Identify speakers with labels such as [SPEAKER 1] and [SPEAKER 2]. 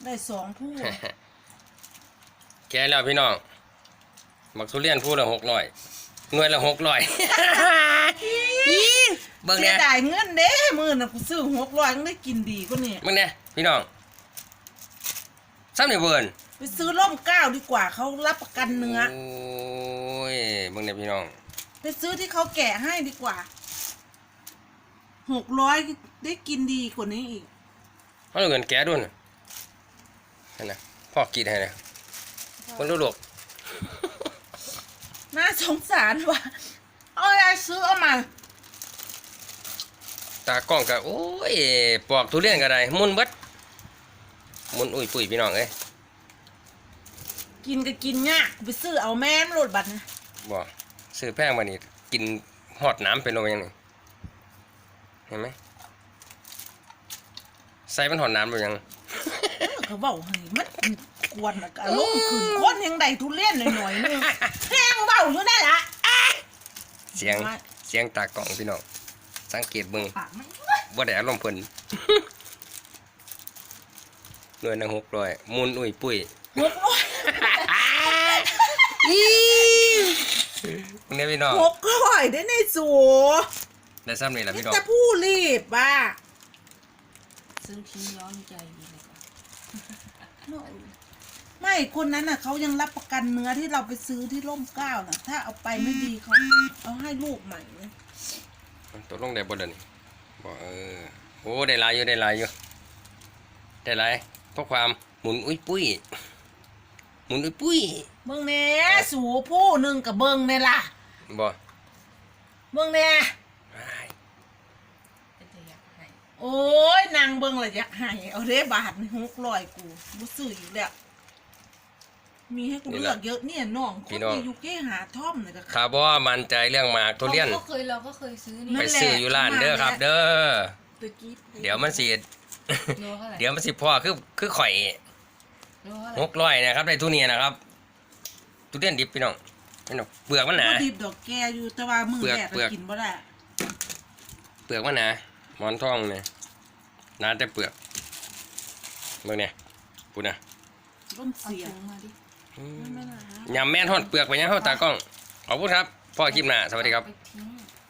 [SPEAKER 1] ได้2ผู้
[SPEAKER 2] แกแล้วพี่น้องมักทุเรียนผู้ละ600หน่วยละ600เบิ่ง
[SPEAKER 1] เสี
[SPEAKER 2] เนี่ย
[SPEAKER 1] ยดายเงินเด้มื้อน่ะกูซื้อ600ยังได้กินดีกว่านี่
[SPEAKER 2] เบิ่งเนี่ยพี่น้องซ้ำนี่เบิ่น
[SPEAKER 1] ไปซื้อร่มเกล้าดีกว่าเขารับประกันเนื้อ
[SPEAKER 2] โอ้ยเบิ่งเนี่ยพี่น้อง
[SPEAKER 1] ไปซื้อที่เขาแกะให้ดีกว่า600ได้กินดีกว่านี้อีก
[SPEAKER 2] เขาเอาเงินแกด้วยนะนั่นนะพ่อกรีดให้นะคนรู้ลูก
[SPEAKER 1] น่าสงสารว่ะเอาอะไรซื้อเอามา
[SPEAKER 2] ตากล้องก็โอ้ยปอกทุเรียนก็ได้มุนเบิดมุนอุ้ยปุ้ยพี่น้องเอ้ย
[SPEAKER 1] กินก็กินยากไปซื้อเอาแม่มโลดบัตรนะ
[SPEAKER 2] บ่ซื้อแพงมานี่กินหอดน้ำเป็นโลยังนี่เห็นไหมใส่มันหอดน้ำหรือยัง
[SPEAKER 1] เขาบอกเฮ้ยมันกวนอะอารมณ์ขึ้นคนยังได้ทุเรียนหน่อยๆนึงแห้งเบาอยู่ได้ละ
[SPEAKER 2] เสียงตากล้องพี่น้องสังเกตเบิ่ง
[SPEAKER 1] ปากมัน
[SPEAKER 2] บ่ได้อารมณ์เพิ่น หน่วยละ600มุนอุ้ยปุ้ย เนี่ยพี่น้อง
[SPEAKER 1] 600ได้ในสู
[SPEAKER 2] ได้ซ้ำนี่แหละพี่น้อง
[SPEAKER 1] แต่ผู้รีบว่ะ
[SPEAKER 3] ซื้อทิ้งย้อนใจดีเลยค่ะ
[SPEAKER 1] ไม่คนนั้นน่ะเขายังรับประกันเนื้อที่เราไปซื้อที่ร่มเกล้าน่ะ ถ้าเอาไปไม่ดีเขาเอาให้ลูกใหม่เลย
[SPEAKER 2] ตกลงได้บ่เดยวนี้บ่โอ้ได้หลายอยู่ได้หลายอยู่ได้หลายเพราะความหมุนอุ้ยปุ้ยหมุนอุ้ยปุ้ย
[SPEAKER 1] เบิ่งแหน่สูผู้หนึ่งกับเบิ่งเนี่ยล่ะ
[SPEAKER 2] บ่
[SPEAKER 1] เบิ่งแหน่
[SPEAKER 2] อ้าย
[SPEAKER 3] เป็นจะอยากให้
[SPEAKER 1] โอ้ยนางเบิ่งละอยากให้เอาเด้บาทนี่600กูบ่ซื้ออีกแล้วมีให้กูเลือกเยอะเนี่ยน้องคนที่อยู่เก้หาท่อมเนี่ยก็
[SPEAKER 2] ถ้าบ่มั่นใจเรื่องหมากทุเรียน
[SPEAKER 3] เราก็เคยซื้อนี่
[SPEAKER 2] ไปซื้ออยู่ร้านเด้อครับ เด้อ
[SPEAKER 3] ตะกี้
[SPEAKER 2] เดี๋ยวมันสิ
[SPEAKER 3] โลเท่าไหร่
[SPEAKER 2] เดี๋ยวมันสิพ่อคือข่อย
[SPEAKER 3] โลเท่าไหร่
[SPEAKER 2] 600นะครับได้ทุเรียนนะครับทุเรียนดิบพี่น้องพี่น้องเปลือกมันหนา
[SPEAKER 1] บ่ดิบดอกแกอยู่แต่ว่ามือแรก
[SPEAKER 2] เปลื
[SPEAKER 1] ก็
[SPEAKER 2] อก
[SPEAKER 1] กินบ่ได้
[SPEAKER 2] เปลือกมันหนาหมอนทองเนี่ยหนาแต่เปลือกเบิ่งเนี่ยพูดนะ
[SPEAKER 1] ต้น
[SPEAKER 3] เอา
[SPEAKER 1] เสีย
[SPEAKER 3] ถุงมาดิ
[SPEAKER 1] ไม่น่าฮะ
[SPEAKER 2] ยำแม่นทอดเปลือกไปยังเข้าตากล้องขอบคุณครับพ่อคลิปหน้าสวัสดีครับ
[SPEAKER 3] ไปทิ้ง